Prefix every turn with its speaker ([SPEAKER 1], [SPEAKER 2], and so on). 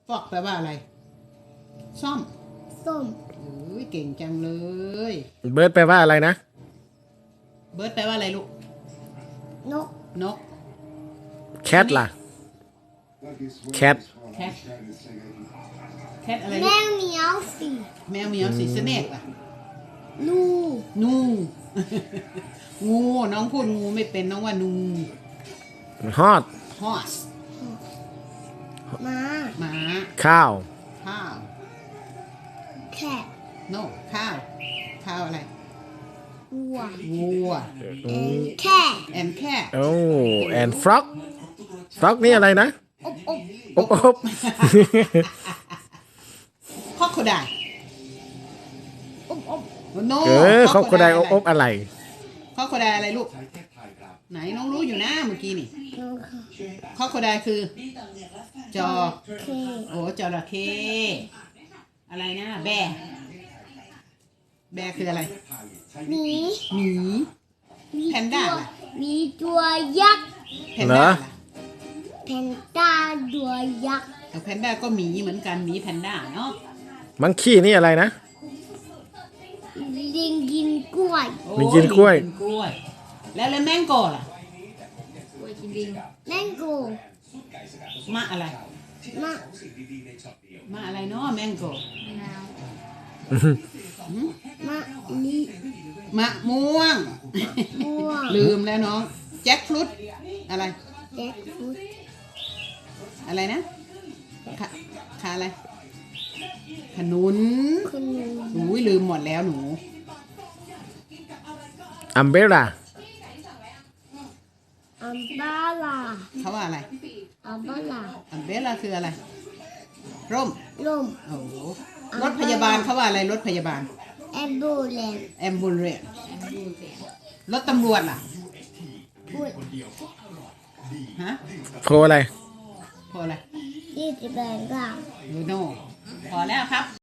[SPEAKER 1] อกแปลว่าอะไรซ่อม
[SPEAKER 2] ส้ม
[SPEAKER 1] เก่งจังเลย
[SPEAKER 3] เบิร์ดแปลว่าอะไรนะ
[SPEAKER 1] เบิร์ดแปลว่าอะไรลูก
[SPEAKER 2] นก
[SPEAKER 1] นก
[SPEAKER 3] แคทล่ะแคท
[SPEAKER 1] แคทแคทอะไร
[SPEAKER 2] แม
[SPEAKER 1] ลูก
[SPEAKER 2] วเหมียวสี
[SPEAKER 1] แมวเหมียวสีสเนกล่ะ
[SPEAKER 2] นู
[SPEAKER 1] งู งูน้องพูดงูไม่เป็นน้องว่านู
[SPEAKER 3] ฮอต
[SPEAKER 1] horse
[SPEAKER 2] ม้า
[SPEAKER 1] หมา
[SPEAKER 3] ข้าว
[SPEAKER 1] ข้าว
[SPEAKER 2] แคท
[SPEAKER 1] no ข้าวข้าวอะไร
[SPEAKER 2] วัว
[SPEAKER 1] วัว
[SPEAKER 2] แคท
[SPEAKER 1] and cat
[SPEAKER 3] โอ้ and frog frog นี่อะไรนะ
[SPEAKER 2] อบ
[SPEAKER 3] อบ
[SPEAKER 1] crocodile
[SPEAKER 2] อบ
[SPEAKER 1] no
[SPEAKER 3] ครอบครัวใดอบอะไร
[SPEAKER 1] crocodile อะไรลูกไหนน้องรู้อยู่นะเมื่อกี้นี่ crocodile คือจอ
[SPEAKER 2] เค
[SPEAKER 1] โอ้จระเข้อะไรนะแบร์คืออะไร
[SPEAKER 2] หมี
[SPEAKER 1] หมีแพนด้า
[SPEAKER 2] มีตัวยักษ์
[SPEAKER 1] แพนด้า
[SPEAKER 2] แพนด้าตัวยักษ์
[SPEAKER 1] แพนด้าก็หมีเหมือนกันหมีแพนด้าเนาะ
[SPEAKER 3] มังคีนี่อะไรนะ
[SPEAKER 2] ลิงกินกล้วย
[SPEAKER 1] โอ้
[SPEAKER 3] ลิงกินกล้วย
[SPEAKER 1] ลิงกินกล้วย แล้วแมงโก้ล่ะ
[SPEAKER 2] แมงโก้
[SPEAKER 1] มะอะไร
[SPEAKER 2] มะ
[SPEAKER 1] มะอะไรเนาะแมงโก้
[SPEAKER 2] มะลิ
[SPEAKER 1] มะม่วง
[SPEAKER 2] ม่วง
[SPEAKER 1] ลืมแล้วน้องแจ็คฟรุตอะไร
[SPEAKER 2] แจ็คฟรุต
[SPEAKER 1] อะไรนะขาอะไรขนุน
[SPEAKER 2] ขนุน
[SPEAKER 1] อุ้ยลืมหมดแล้วหนู
[SPEAKER 3] อัมเบร่า
[SPEAKER 2] อัมบาลา
[SPEAKER 1] เขาว่าอะไร
[SPEAKER 2] อัมบาลา
[SPEAKER 1] อัมเบล่าคืออะไร ร่ม
[SPEAKER 2] ลม
[SPEAKER 1] โอ้โหรถพยาบาลเขาว่าอะไรรถพยาบาล
[SPEAKER 2] แอมบูเลน
[SPEAKER 1] แอมบูเรนรถตำรวจล่ะ
[SPEAKER 2] พูด
[SPEAKER 1] ฮะ
[SPEAKER 3] โคอะไร
[SPEAKER 1] พออะไร
[SPEAKER 2] ที่จะแบ่งกลาง
[SPEAKER 1] โนพอแล้วครับ